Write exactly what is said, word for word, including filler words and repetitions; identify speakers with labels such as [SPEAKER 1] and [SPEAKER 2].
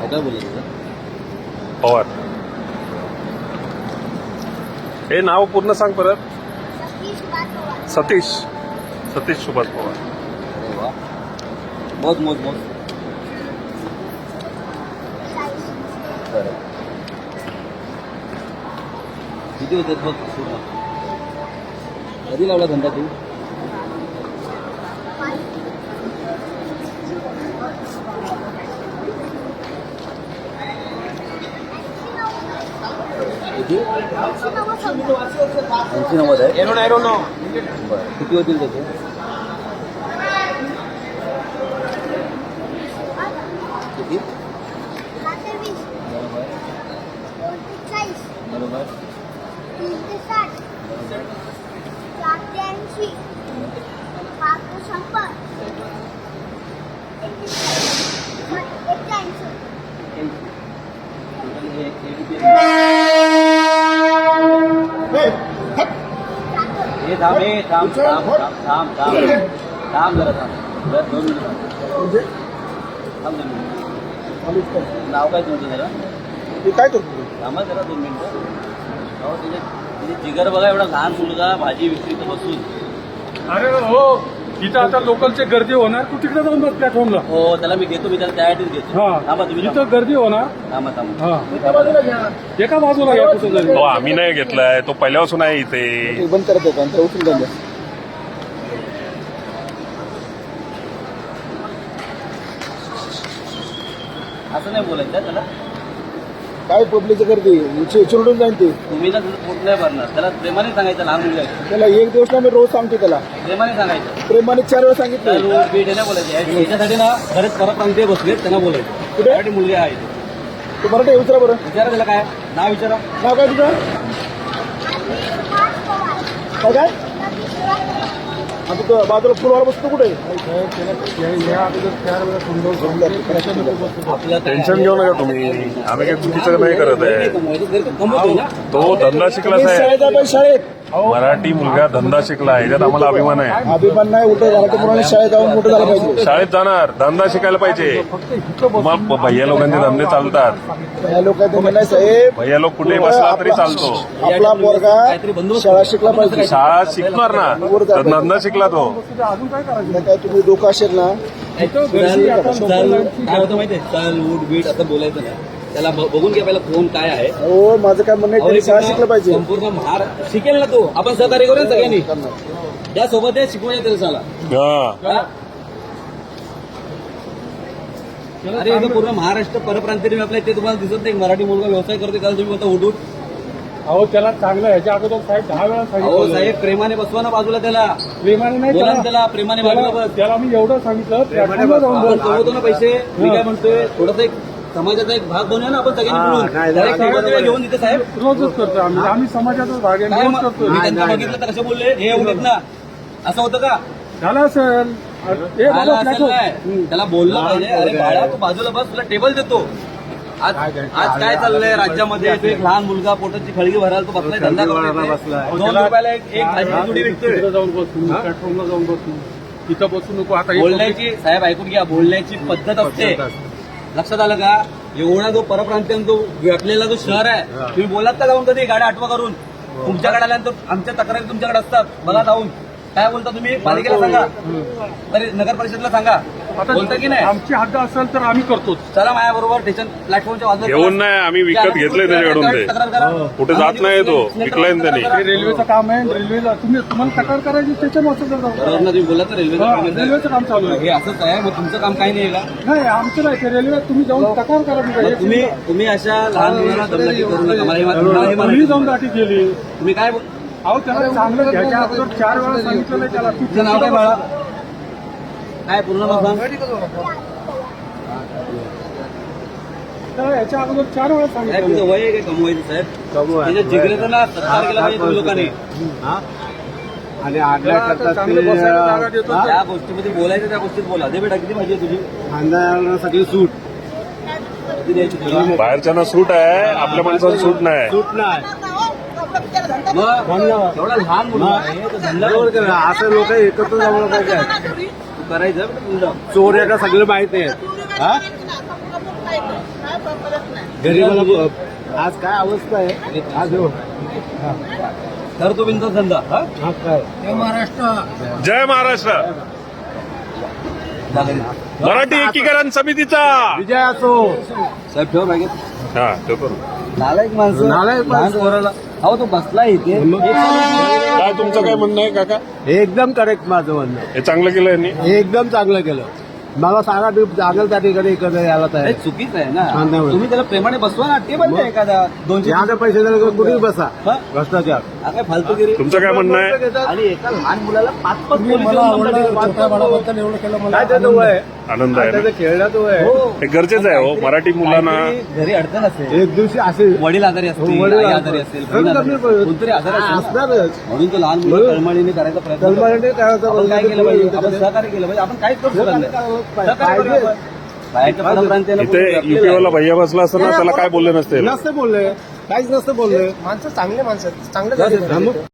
[SPEAKER 1] काय बोलले तुझं?
[SPEAKER 2] पवार. हे नाव पूर्ण सांग परत. सतीश सतीश सुभाष पवार.
[SPEAKER 1] अरे वा, मोज मोज मोज. बरं, किती होते बघ पूर्ण? कधी लावला धंदा तू? किती? ऐंशी नव्वद आहे. बरं, किती होतील त्याचे? किती? बरोबर बरोबर हे थांब, हे थांब थांब थांब थांब थांब थांब जरा थांब जरा दोन मिनिट थांब दोन मिनिट. नाव काय तुमचं जरा?
[SPEAKER 3] काय करतो?
[SPEAKER 1] थांबा जरा दोन मिनिटं. हो, तिथे तिथे जिगर बघा, एवढा लहान मुलगा भाजी विक्रीत बसून.
[SPEAKER 2] अरे हो, इथं आता लोकलची गर्दी होणार. तू तिकडे जाऊन बस प्लॅटफॉर्मला.
[SPEAKER 1] हो, त्याला मी घेतो, मी त्याला त्यासाठीच घेतो.
[SPEAKER 2] हा,
[SPEAKER 1] थांबा तुम्ही,
[SPEAKER 2] इथं गर्दी होणार.
[SPEAKER 1] थांबा थांबा.
[SPEAKER 2] हा,
[SPEAKER 3] एका बाजूला घ्या.
[SPEAKER 2] एका बाजूला घ्या कुठं तरी.
[SPEAKER 4] हो, आम्ही नाही घेतलाय, तो पहिल्यापासून आहे इथे.
[SPEAKER 3] ते बंद करत होता आणि उचलून द्या.
[SPEAKER 1] असं नाही बोलायचं त्याला.
[SPEAKER 3] काय पब्लिक गर्दी चिरडून जाईल ते.
[SPEAKER 1] तुम्ही ना तुझं पोट नाही भरणार. त्याला प्रेमाने सांगायचं, लहान मुलगा आहे.
[SPEAKER 3] त्याला एक दिवस ना मी रोज सांगतो त्याला.
[SPEAKER 1] प्रेमाने सांगायचं.
[SPEAKER 3] प्रेमाने चार वेळा सांगितलं.
[SPEAKER 1] तर बीट हे नाही बोलायचं. याच्यासाठी ना खरंच परप्रांतीय बसले, त्यांना बोलायचं.
[SPEAKER 3] कुठे?
[SPEAKER 1] मराठी मुलगी आहे.
[SPEAKER 3] तू मराठी विचारा बरं.
[SPEAKER 1] विचारा त्याला काय नाव विचारा.
[SPEAKER 3] नाव काय तुझं? काय काय? आता तो बाजूला फुलवाला बसतो कुठे?
[SPEAKER 1] आपलं
[SPEAKER 4] टेन्शन घेऊ नका तुम्ही, आम्ही काही चुकीचं नाही करत आहे. तो धंदा शिकला
[SPEAKER 3] तुम्ही
[SPEAKER 4] साहेब,
[SPEAKER 3] शाळेत आपण शाळेत
[SPEAKER 4] मराठी मुलगा धंदा शिकला, ह्याच्यात आम्हाला अभिमान आहे.
[SPEAKER 3] अभिमान नाही. उठे मराठी मुलांनी शाळेत जाऊन मोठं झालं पाहिजे.
[SPEAKER 4] शाळेत जाणार, धंदा शिकायला पाहिजे. मग भैया लोकांचे धंदे चालतात.
[SPEAKER 3] या लोकांनी नाही साहेब,
[SPEAKER 4] भैया लोक कुठे बसला तरी चालतो.
[SPEAKER 3] आपला पोरगा शाळा शिकला पाहिजे.
[SPEAKER 4] शाळा शिकणार ना, तर धंदा शिकला तो.
[SPEAKER 2] अजून काय करायचं?
[SPEAKER 3] नाही काय तुम्ही डोकं असेल ना
[SPEAKER 1] काय होतं माहितीये, चल उठ बीट असं बोलायचं नाही. त्याला ब- बघून घ्या पहिला फोन काय आहे.
[SPEAKER 3] हो, माझं काय म्हणणं आहे,
[SPEAKER 1] अहो,
[SPEAKER 3] त्यांनी शाळा शिकलं पाहिजे.
[SPEAKER 1] संपूर्ण महार शिकेल ना तो. आपण सहकार्य करूया ना सगळ्यांनी. त्या सोबत आहे शिकवायच्या त्याला शाळा.
[SPEAKER 4] हा,
[SPEAKER 1] अरे इथं पूर्ण महाराष्ट्र परप्रांतीय व्यापलाय, ते तुम्हाला दिसत नाही. मराठी मुलगा व्यवसाय करते, त्याला तुम्ही बोलता उठून.
[SPEAKER 2] अहो, त्याला चांगलं ह्याच्या अगोदर साहेब दहा वेळा
[SPEAKER 1] अहो
[SPEAKER 2] सांगितलं.
[SPEAKER 1] साहेब, प्रेमाने बसवा ना बाजूला त्याला.
[SPEAKER 2] प्रेमाने नाही
[SPEAKER 1] बोला ना
[SPEAKER 2] त्याला.
[SPEAKER 1] त्याला, प्रेमाने बाजूला
[SPEAKER 2] त्याला
[SPEAKER 1] बस.
[SPEAKER 2] त्याला मी एवढं सांगितलं, प्लॅटफॉर्मला जाऊन
[SPEAKER 1] आपण
[SPEAKER 2] बस.
[SPEAKER 1] कमवतो ना पैसे. मी काय म्हणतोय, थोडंसं एक समाजाचा एक भाग बनवूया ना आपण सगळ्यांनी मिळून. डायरेक्ट समाजाला घेऊन तिथे साहेब
[SPEAKER 2] रोजच करतो आम्ही. आम्ही समाजाचाच भाग आहे,
[SPEAKER 1] काय
[SPEAKER 2] रोज
[SPEAKER 1] मग?
[SPEAKER 2] करतो.
[SPEAKER 1] मी त्यांना बघितलं तर कसे बोलले, हे उलट ना असं होतं का?
[SPEAKER 2] झालं असेल. ए
[SPEAKER 1] आला
[SPEAKER 2] बाबा,
[SPEAKER 1] असेल
[SPEAKER 2] प्लॅटफॉर्म.
[SPEAKER 1] नाही. त्याला बोललं पाहिजे, अरे बाळा तू बाजूला बस, तुला टेबल देतो. आज आज काय चाललंय राज्यामध्ये, तो एक लहान मुलगा पोटाची खळगी भरायला तो बसलाय, धंदा करतोय. दोन रुपयाला एक एक भाजी जुडी विकतोय.
[SPEAKER 2] तिकडे जाऊन बसू, प्लॅटफॉर्मला जाऊन बसू. तिथं बसू नको. आता हे
[SPEAKER 1] बोलण्याची साहेब ऐकून घ्या, बोलण्याची पद्धत असते. लक्षात आलं का? एवढा जो परप्रांतीय जो व्यापलेला जो शहर आहे, तुम्ही बोलात का जाऊन कधी गाड्या आठवा करून? तुमच्याकडे आल्यानंतर आमच्या तक्रारी तुमच्याकडे असतात. बघा जाऊन काय बोलता तुम्ही, पालिकेला सांगा, तरी नगर परिषदला सांगा.
[SPEAKER 2] आता
[SPEAKER 1] बोलता की नाही?
[SPEAKER 2] आमची हद्द असेल तर आम्ही करतोच.
[SPEAKER 1] चला माझ्या बरोबर स्टेशन प्लॅटफॉर्मच्या बाजूला
[SPEAKER 4] घेऊन नाही, आम्ही विकत घेतलंय त्याच्याकडून ते.
[SPEAKER 1] तक्रार करा.
[SPEAKER 4] कुठे जात नाही तो, विकलाय ना त्यांनी.
[SPEAKER 2] हे रेल्वेचं काम आहे. रेल्वेला तुम्ही तुम्हाला तक्रार करायची स्टेशन वाचत जाऊ.
[SPEAKER 1] बरोबर ना, तुम्ही बोला तर रेल्वेचं
[SPEAKER 2] हा,
[SPEAKER 1] काम आहे.
[SPEAKER 2] रेल्वेचं काम चालू आहे.
[SPEAKER 1] हे असंच आहे, मग तुमचं काम काही नाही का?
[SPEAKER 2] नाही, आमचं नाही. ते रेल्वे तुम्ही जाऊन तक्रार करा.
[SPEAKER 1] मग
[SPEAKER 2] तिथे.
[SPEAKER 1] तुम्ही तुम्ही अशा लहान मुलांना दमदाटी करू नका. मला हे मा- मला हे
[SPEAKER 2] आम्ही
[SPEAKER 1] माहिती.
[SPEAKER 2] जाऊन दाटी केली.
[SPEAKER 1] तुम्ही काय बोल-
[SPEAKER 2] अहो, त्याला चांगलं घ्यायच्या अगोदर चार वेळा सांगितलं नाही त्याला.
[SPEAKER 1] तुझं नाव काय बाळा? काय पूर्ण नाव सांग.
[SPEAKER 2] त्याला याच्या अगोदर चार वेळा
[SPEAKER 1] साहेब
[SPEAKER 2] सांगितलं.
[SPEAKER 1] तुमचं वय आहे काय कमवायचं साहेब? त्याच्या जिगरेचं ना सत्कार केला पाहिजे तुम्ही लोकांनी.
[SPEAKER 3] आणि आडल्या करतात
[SPEAKER 2] चांगलं बसायला जागा देतो.
[SPEAKER 1] त्या गोष्टीमध्ये बोलायचं, त्या गोष्टीत बोला. दे बेटा, किती पाहिजे तुझी?
[SPEAKER 3] खानदानासाठी सूट
[SPEAKER 1] किती द्यायची तुला?
[SPEAKER 4] बाहेरच्यांना सूट आहे, आपल्या माणसाला सूट नाही.
[SPEAKER 3] सूट नाही.
[SPEAKER 1] मग एवढा लहान मुलगा आहे, तो धंदा करतोय.
[SPEAKER 3] असं लोक एकत्र जाऊन पाहिजे.
[SPEAKER 1] तू करायचं बेटा तुझं.
[SPEAKER 3] चोऱ्या का सगळं माहिती आहे. हा? गरीबाला आज काय अवस्था आहे आज हो.
[SPEAKER 1] तर तो बिंदू धंदा हा
[SPEAKER 3] हा काय
[SPEAKER 4] जय महाराष्ट्र मराठी एकीकरण समितीचा
[SPEAKER 3] विजय असो.
[SPEAKER 1] साहेब ठेव बॅगेत
[SPEAKER 4] हा तो करू
[SPEAKER 1] नालायक माणसं
[SPEAKER 3] नालायक माणसं.
[SPEAKER 1] लहान पोराला अहो तो बसला इथे
[SPEAKER 4] काय तुमचं काय म्हणणं आहे काका
[SPEAKER 3] एकदम करेक्ट माझं म्हणणं.
[SPEAKER 4] हे चांगलं केलं यांनी
[SPEAKER 3] एकदम चांगलं केलं. मला सांगा तुम्ही जागेल त्या ठिकाणी इकडे यायला
[SPEAKER 1] हे
[SPEAKER 3] तयार.
[SPEAKER 1] चुकीचं आहे ना
[SPEAKER 3] हा, नाही.
[SPEAKER 1] तुम्ही त्याला प्रेमाने बसवा ना टेबल द्या एखादा दोनशे
[SPEAKER 3] याचे पैसे दिले की कुठेही बसा
[SPEAKER 1] हा?
[SPEAKER 3] भ्रष्टाचार.
[SPEAKER 1] हा काय फालतूगिरी
[SPEAKER 4] तुमचं काय म्हणणं आहे
[SPEAKER 1] आणि एका लहान मुलाला पाच पाच
[SPEAKER 3] तुम्ही
[SPEAKER 1] पोलीस
[SPEAKER 3] मला
[SPEAKER 1] येऊन
[SPEAKER 3] आवडलं,
[SPEAKER 1] नंबर
[SPEAKER 3] छोट्या
[SPEAKER 1] देतात.
[SPEAKER 3] बाळाबद्दल एवढं केलं मला. काय त्याचं वय आहे?
[SPEAKER 4] आनंद
[SPEAKER 3] काय
[SPEAKER 4] आहे ना
[SPEAKER 3] त्याचं खेळण्याचं वय आहे?
[SPEAKER 1] हो.
[SPEAKER 4] हे गरजेचं आहे हो मराठी मुलांना
[SPEAKER 1] काहीतरी घरी अडचण असेल
[SPEAKER 3] एक दिवशी असे
[SPEAKER 1] वडील आजारी असतील
[SPEAKER 3] वडील
[SPEAKER 1] आई
[SPEAKER 3] आजारी
[SPEAKER 1] आजारी असेल
[SPEAKER 3] असेल.
[SPEAKER 1] बहीण आजारी
[SPEAKER 3] कमी
[SPEAKER 1] असेल,
[SPEAKER 3] पडेल.
[SPEAKER 1] कोणतरी आजारी असेल ना.
[SPEAKER 3] असणारच.
[SPEAKER 1] म्हणून तो लहान मुलं
[SPEAKER 3] म्हणून-
[SPEAKER 1] तळमळीने करायचा प्रयत्न करतो.
[SPEAKER 3] तळमळीने करायचा
[SPEAKER 1] आपण काय
[SPEAKER 3] प्रयत्न
[SPEAKER 1] केलं पाहिजे
[SPEAKER 3] करतो.
[SPEAKER 1] आपण सहकार्य केलं पाहिजे आपण काहीच करू शकत नाही सहकार्य
[SPEAKER 3] पाहिजे.
[SPEAKER 1] करू आपण. बाहेरच्या परप्रांतीयांना
[SPEAKER 4] इथे
[SPEAKER 1] कोणी व्यापलेलं आहे.
[SPEAKER 4] युपीवाला भैया बसला असता ना त्याला काय बोलले नसते
[SPEAKER 3] नसते बोलले काहीच नसतं बोलले.
[SPEAKER 5] माणसं चांगले माणसं आहेत. चांगले
[SPEAKER 3] जाऊ दे.
[SPEAKER 5] झाले.